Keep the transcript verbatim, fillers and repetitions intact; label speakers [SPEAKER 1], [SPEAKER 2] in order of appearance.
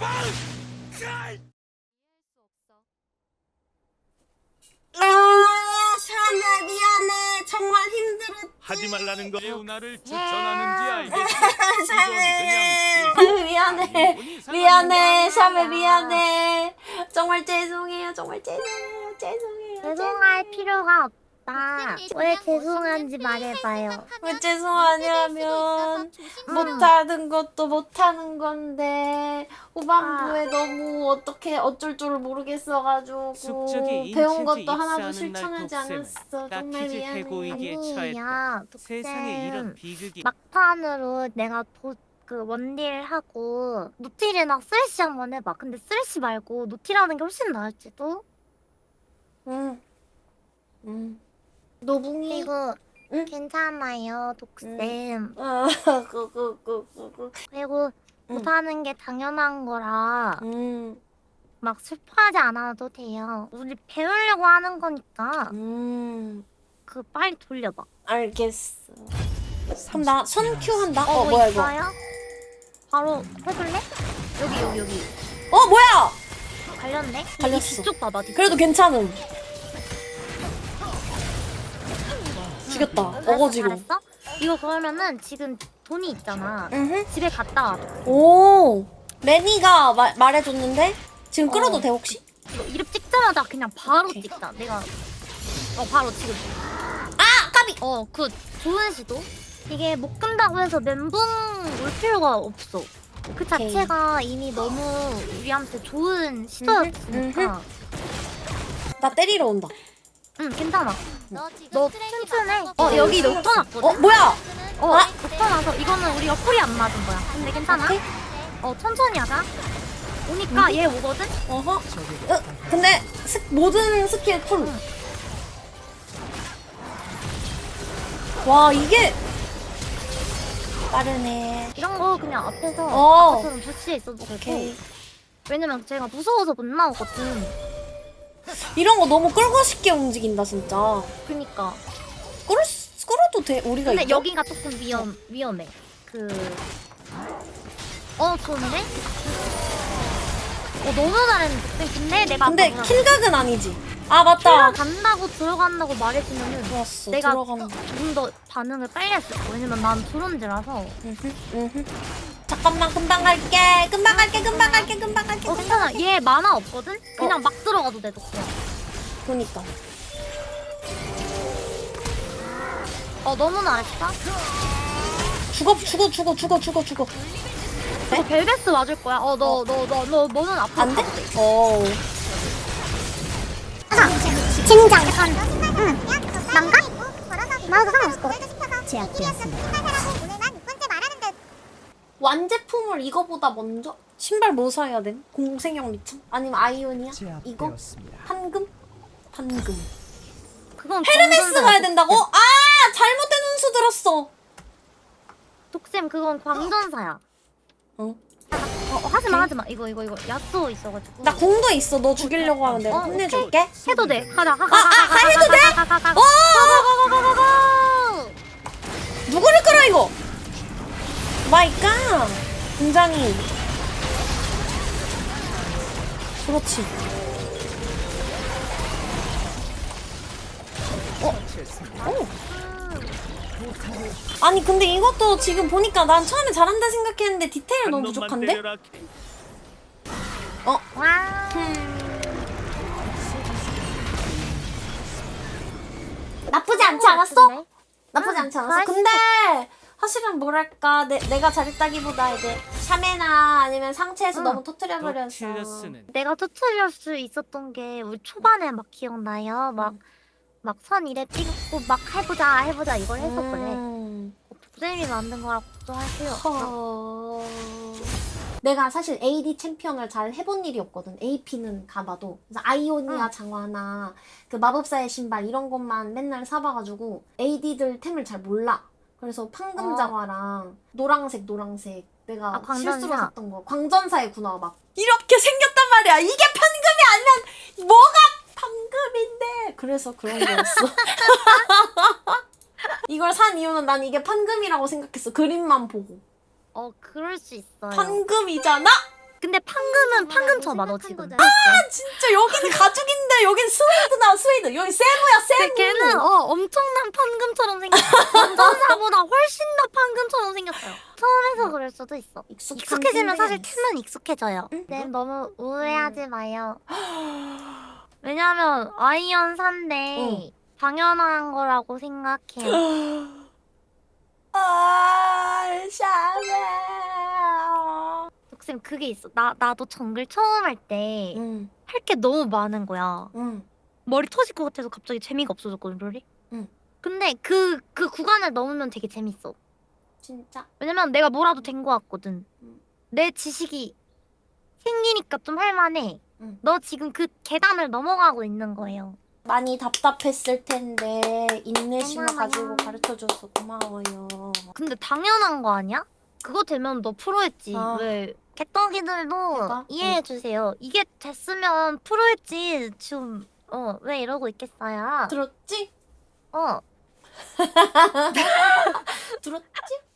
[SPEAKER 1] 아, 샤나 미안해. 정말 힘들었지.
[SPEAKER 2] 하지 말라는 거 레오나를 추천하는지 알겠어.
[SPEAKER 1] 샤메
[SPEAKER 2] 그냥
[SPEAKER 1] 미안해. 미안해. 샤메 미안해. 정말 죄송해요. 정말 죄송해요. 죄송해요.
[SPEAKER 3] 죄송할 필요가 없다. 왜 죄송한지 말해봐요.
[SPEAKER 1] 왜 죄송하냐면 못하는 것도 못하는 건데 후반부에 너무 어떻게 어쩔 줄을 모르겠어가지고
[SPEAKER 2] 숙적이
[SPEAKER 1] 배운
[SPEAKER 2] 인체지
[SPEAKER 1] 것도 하나도
[SPEAKER 2] 입사하는
[SPEAKER 1] 실천하지
[SPEAKER 2] 날
[SPEAKER 1] 않았어. 정말
[SPEAKER 2] 딱히지
[SPEAKER 1] 미안해.
[SPEAKER 2] 해고이기에 처했다.
[SPEAKER 3] 아니야,
[SPEAKER 2] 세상에 이런
[SPEAKER 3] 독쌤.
[SPEAKER 2] 비극이
[SPEAKER 3] 막판으로 내가 도, 그 원딜 하고 노틸이나 쓰레쉬 한번 해봐. 근데 쓰레쉬 말고 노틸하는 게 훨씬 나을지도.
[SPEAKER 1] 응. 응. 노붕이.
[SPEAKER 3] 그리고
[SPEAKER 1] 응?
[SPEAKER 3] 괜찮아요, 독쌤.
[SPEAKER 1] 아, 그그그그그.
[SPEAKER 3] 그리고
[SPEAKER 1] 응.
[SPEAKER 3] 못하는 게 당연한 거라
[SPEAKER 1] 음.
[SPEAKER 3] 막 슬퍼하지 않아도 돼요. 우리 배우려고 하는 거니까
[SPEAKER 1] 음.
[SPEAKER 3] 그 빨리 돌려봐.
[SPEAKER 1] 알겠어. 그럼 나 선큐 한다.
[SPEAKER 3] 어,
[SPEAKER 1] 어,
[SPEAKER 3] 뭐
[SPEAKER 1] 뭐야 이거?
[SPEAKER 3] 있어요? 바로 해볼래? 여기 여기 여기
[SPEAKER 1] 어 뭐야?
[SPEAKER 3] 갈렸네?
[SPEAKER 1] 갈렸어.
[SPEAKER 3] 이 뒤쪽 봐봐 뒤쪽.
[SPEAKER 1] 그래도 괜찮음. 죽였다.
[SPEAKER 3] 잘했어,
[SPEAKER 1] 어거지로.
[SPEAKER 3] 잘했어? 이거 그러면은 지금 돈이 있잖아.
[SPEAKER 1] 응.
[SPEAKER 3] 집에 갔다 와.
[SPEAKER 1] 오. 매니가 마, 말해줬는데 지금 끌어도
[SPEAKER 3] 어.
[SPEAKER 1] 돼 혹시?
[SPEAKER 3] 이거 이름 찍자마자 그냥 바로
[SPEAKER 1] 오케이.
[SPEAKER 3] 찍자. 내가 어 바로 지금.
[SPEAKER 1] 아 까비.
[SPEAKER 3] 어 그 좋은 시도. 이게 못 끈다고 해서 멘붕 올 필요가 없어. 그
[SPEAKER 1] 오케이.
[SPEAKER 3] 자체가 이미 너무 우리한테 좋은 시도였으니까.
[SPEAKER 1] 나 때리러 온다.
[SPEAKER 3] 응 괜찮아.
[SPEAKER 4] 너
[SPEAKER 3] 너 튼튼해. 어 여기 녹턴
[SPEAKER 1] 어
[SPEAKER 3] 왔거든.
[SPEAKER 1] 뭐야?
[SPEAKER 3] 어
[SPEAKER 1] 아?
[SPEAKER 3] 녹턴 와서 이거는 우리가 콜이 안 맞은 거야. 근데 괜찮아.
[SPEAKER 1] 오케이.
[SPEAKER 3] 어 천천히 하자. 오니까 얘 오거든.
[SPEAKER 1] 어허. 어, 근데 스, 모든 스킬 풀. 와 이게 빠르네.
[SPEAKER 3] 이런 거 그냥 앞에서
[SPEAKER 1] 어.
[SPEAKER 3] 아까처럼 부시에 있어도 되고.
[SPEAKER 1] 오케이.
[SPEAKER 3] 왜냐면 제가 무서워서 못 나오거든.
[SPEAKER 1] 이런 거 너무 끌고 싶게 움직인다 진짜.
[SPEAKER 3] 그니까.
[SPEAKER 1] 끌을 수- 끌어도 돼 우리가
[SPEAKER 3] 근데
[SPEAKER 1] 있죠?
[SPEAKER 3] 여기가 조금 위험 위험해. 그. 어 좋은데? 어 너무 잘했는데. 근데 내가
[SPEAKER 1] 근데
[SPEAKER 3] 아까
[SPEAKER 1] 킬각은 아니지. 아 맞다.
[SPEAKER 3] 킬러 간다고 들어간다고 말해주면은
[SPEAKER 1] 좋았어.
[SPEAKER 3] 내가
[SPEAKER 1] 들어가는 거.
[SPEAKER 3] 좀 더 반응을 빨리 했을 거야. 왜냐면 난 드론즈라서.
[SPEAKER 1] 음흠, 음흠. 잠깐만 금방 갈게. 금방 갈게. 금방 갈게. 금방 갈게.
[SPEAKER 3] 어
[SPEAKER 1] 금방
[SPEAKER 3] 괜찮아.
[SPEAKER 1] 갈게.
[SPEAKER 3] 얘 만화 없거든? 그냥
[SPEAKER 1] 어.
[SPEAKER 3] 막 들어가도 돼 독생.
[SPEAKER 1] 그니까.
[SPEAKER 3] 어 너무 잘했어.
[SPEAKER 1] 죽어 죽어 죽어 죽어 죽어 죽어.
[SPEAKER 3] 너 벨베스 맞을 거야. 어 너 너 너 너 너는 앞으로
[SPEAKER 1] 안 돼?
[SPEAKER 3] 가도 돼.
[SPEAKER 1] 어.
[SPEAKER 3] 진장. 약간 응. 난가? 나도 상관없을 것 같아.
[SPEAKER 4] 제압되었습니다.
[SPEAKER 1] 완제품을 이거보다 먼저? 신발 뭐 사야 돼? 공생형 리참? 아니면 아이오니아? 이거?
[SPEAKER 5] 제압되었습니다.
[SPEAKER 1] 판금? 판금.
[SPEAKER 3] 그건
[SPEAKER 1] 헤르메스
[SPEAKER 3] 광전사야,
[SPEAKER 1] 가야 된다고?
[SPEAKER 3] 독쌤.
[SPEAKER 1] 아! 잘못된 운수 들었어.
[SPEAKER 3] 독쌤 그건 광전사야.
[SPEAKER 1] 어?
[SPEAKER 3] 어, 어 하지마 하지마. 이거 이거 이거 야쏘 있어가지고.
[SPEAKER 1] 나 공도 있어. 너 죽이려고 하면 내가
[SPEAKER 3] 어,
[SPEAKER 1] 혼내줄게.
[SPEAKER 3] 해도 돼. 가자. 가,
[SPEAKER 1] 아, 아, 해도 돼? 어!
[SPEAKER 3] 고고고고고고.
[SPEAKER 1] 누구를 끌어 이거? 마이 갓. 굉장히. 그렇지. 어? 오. 아니 근데 이것도 지금 보니까 난 처음에 잘한다 생각했는데 디테일
[SPEAKER 2] 한
[SPEAKER 1] 너무
[SPEAKER 2] 놈만
[SPEAKER 1] 부족한데?
[SPEAKER 2] 때려라.
[SPEAKER 1] 어?
[SPEAKER 3] 와.
[SPEAKER 1] 나쁘지 않지 않았어? 나쁘지
[SPEAKER 3] 응,
[SPEAKER 1] 않지 않았어?
[SPEAKER 3] 맛있어.
[SPEAKER 1] 근데 사실은 뭐랄까 내, 내가 잘했다기보다 이제 샤메나 아니면 상체에서
[SPEAKER 3] 응.
[SPEAKER 1] 너무 터트려버렸어.
[SPEAKER 2] 덕틸러스는
[SPEAKER 3] 내가 터트릴 수 있었던 게 우리 초반에 막 기억나요? 막 막 선 이래 찍고 막 해보자 해보자 이걸 해서 그래.
[SPEAKER 1] 음.
[SPEAKER 3] 독쌤이 만든 거라 걱정할 필요 없어.
[SPEAKER 1] 허... 내가 사실 에이디 챔피언을 잘 해본 일이 없거든. 에이피는 가봐도. 그래서 아이오니아
[SPEAKER 3] 응.
[SPEAKER 1] 장화나 그 마법사의 신발 이런 것만 맨날 사봐가지고 에이디들 템을 잘 몰라. 그래서 판금
[SPEAKER 3] 어.
[SPEAKER 1] 장화랑 노랑색 노랑색 내가
[SPEAKER 3] 아, 광전사.
[SPEAKER 1] 실수로 샀던 거. 광전사의 구나 막 이렇게 생겼단 말이야. 이게 판금이 아니면 뭐가 판금인데. 그래서 그런 거였어. 이걸 산 이유는 난 이게 판금이라고 생각했어. 그림만 보고.
[SPEAKER 3] 어 그럴 수 있어요.
[SPEAKER 1] 판금이잖아?
[SPEAKER 3] 근데 근데 판금은 판금 쳐봐 너 지금.
[SPEAKER 1] 아 진짜 여기는 가죽인데 여긴 스웨이드나 스웨이드. 여기 세무야 세무.
[SPEAKER 3] 걔는 어 엄청난 판금처럼 생겼어. 전사보다 훨씬 더 판금처럼 생겼어요. 처음에서 그럴 수도 있어.
[SPEAKER 1] 익숙한
[SPEAKER 3] 익숙해지면 사실
[SPEAKER 1] 캔들이
[SPEAKER 3] 템은 익숙해져요.
[SPEAKER 1] 응?
[SPEAKER 3] 네, 너무 우회하지 마요. 왜냐면 아이언 산데
[SPEAKER 1] 응.
[SPEAKER 3] 당연한 거라고 생각해요.
[SPEAKER 1] 아 샤메.
[SPEAKER 3] 독쌤 그게 있어. 나 나도 정글 처음 할 때 할 게
[SPEAKER 1] 응.
[SPEAKER 3] 너무 많은 거야.
[SPEAKER 1] 응.
[SPEAKER 3] 머리 터질 것 같아서 갑자기 재미가 없어졌거든, 롤이.
[SPEAKER 1] 응.
[SPEAKER 3] 근데 그 그 구간을 넘으면 되게 재밌어.
[SPEAKER 1] 진짜.
[SPEAKER 3] 왜냐면 내가 뭐라도 된 거 같거든.
[SPEAKER 1] 응.
[SPEAKER 3] 내 지식이 생기니까 좀 할만해.
[SPEAKER 1] 응.
[SPEAKER 3] 너 지금 그 계단을 넘어가고 있는 거예요.
[SPEAKER 1] 많이 답답했을 텐데 인내심을
[SPEAKER 3] 고마워요.
[SPEAKER 1] 가지고 가르쳐줘서 고마워요.
[SPEAKER 3] 근데 당연한 거 아니야? 그거 되면 너 프로했지.
[SPEAKER 1] 아.
[SPEAKER 3] 왜? 개떡이들도
[SPEAKER 1] 내가?
[SPEAKER 3] 이해해주세요. 이게 됐으면 프로했지. 지금 어 왜 이러고 있겠어요?
[SPEAKER 1] 들었지?
[SPEAKER 3] 어
[SPEAKER 1] 들었지?